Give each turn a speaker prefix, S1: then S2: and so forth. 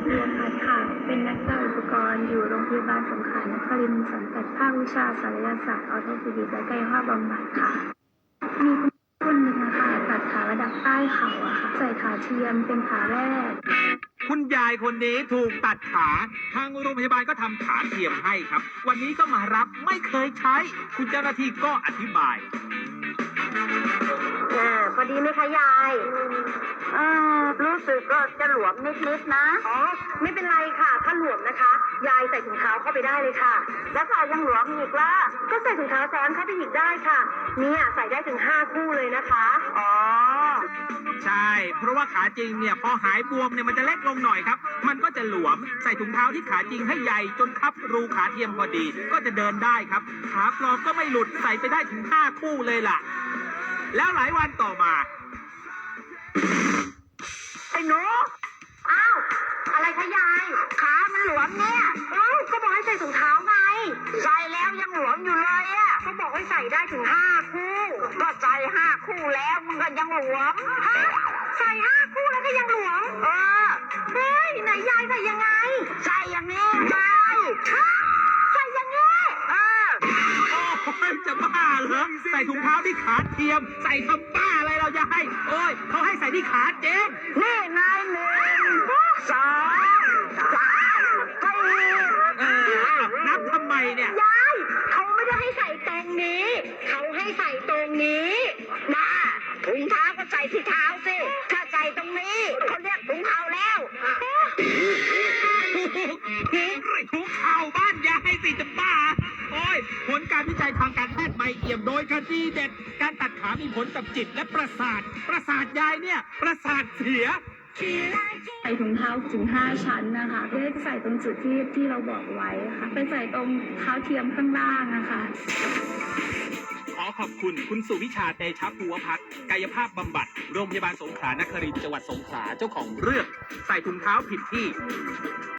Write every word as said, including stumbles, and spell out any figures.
S1: เรียนพัฒน์ค่ะเป็นนักจ่ายอุปกรณ์อยู่โรงพยาบาลสงขลานครินทร์สังกัดภาควิชาศัลยศาสตร์ออร์โทปิดิกส์และกายภาพบำบัดค่ะมีคุณคนหนึ่งนะคะตัดขาระดับใต้เข่าอะค่ะใส่ขาเทียมเป็นขาแรก
S2: คุณยายคนนี้ถูกตัดขาทางโรงพยาบาลก็ทำขาเทียมให้ครับวันนี้ก็มารับไม่เคยใช้คุณเจ้าหน้าที่ก็อธิบาย
S3: อ่าพอดีไหมคะยายอืมรู้สึกก็จะหลวมนิดๆนะอ๋อไม่เป็นไรค่ะถ้าหลวมนะคะยายใส่ถุงเท้าเข้าไปได้เลยค่ะแล้วถ้ายังหลวมอีกล่ะก็ใส่ถุงเท้าซ้อนเข้าไปอีกได้ค่ะเนี่ยใส่ได้ถึงห้าคู่เลยนะคะอ๋อ
S2: ใช่เพราะว่าขาจริงเนี่ยพอหายบวมเนี่ยมันจะเล็กลงหน่อยครับมันก็จะหลวมใส่ถุงเท้าที่ขาจริงให้ใหญ่จนคับรูขาเทียมพอดีก็จะเดินได้ครับขาปลอมก็ไม่หลุดใส่ไปได้ถึงห้าคู่เลยล่ะแล้วหลายวันต่อมา
S3: ไอ้หนูอ้าวอะไรคะยายขามันหลวมเนี่ยเอ้าก็บอกให้ใส่ถุงเท้าไงใส่แล้วยังหลวมอยู่เลยอ่ะเขาบอกให้ใส่ได้ถึงห้าคู่ก็ใส่ห้าคู่แล้วมันก็ยังหลวมฮะใส่ห้าคู่แล้วก็ยังหลวมเออเฮ้ยไหนยายใส่ยังไงใส่อย่างนี้ยายฮะใส่อย่างนี้เออ
S2: โอ้ยจะบ้าเหรอใส่ถุงเท้าที่ขาเทียมใส่ทำบ้าอะไรเราจะให้โอ้ยเขาให้ใส่ที่ขาเจง
S3: นี่ไงหนึ่งสองสามสี่
S2: เออนับทำไมเนี่ย
S3: ยายเขาไม่ได้ให้ใส่ตรงนี้เขาให้ใส่ตรงนี้มาถุงเท้าก็ใส่ที่เท้าสิถ้าใส่ตรงนี้เขาเรียกถุงเท้าแล้ว
S2: ถุงเท้าบ้านยายสิจะบ้าโอ้ยผลการวิจัยทางการแพทย์ใหม่เอี่ยมโดยคดีเด็ดการตัดขามีผลกับจิตและประสาทประสาทยายเนี่ยประสาทเสีย
S1: ใส่ถุงเท้าถึงห้าชั้นนะคะเพื่อจะใส่ตรงจุดที่ที่เราบอกไว้ค่ะไปใส่ตรงเท้าเทียมข้างล่างนะคะ
S2: ขอขอบคุณคุณสุวิชาเตชะภูวพัฒน์กายภาพบำบัดโรงพยาบาลสงขลานครินทร์จังหวัดสงขลาเจ้าของเรื่องใส่ถุงเท้าผิดที่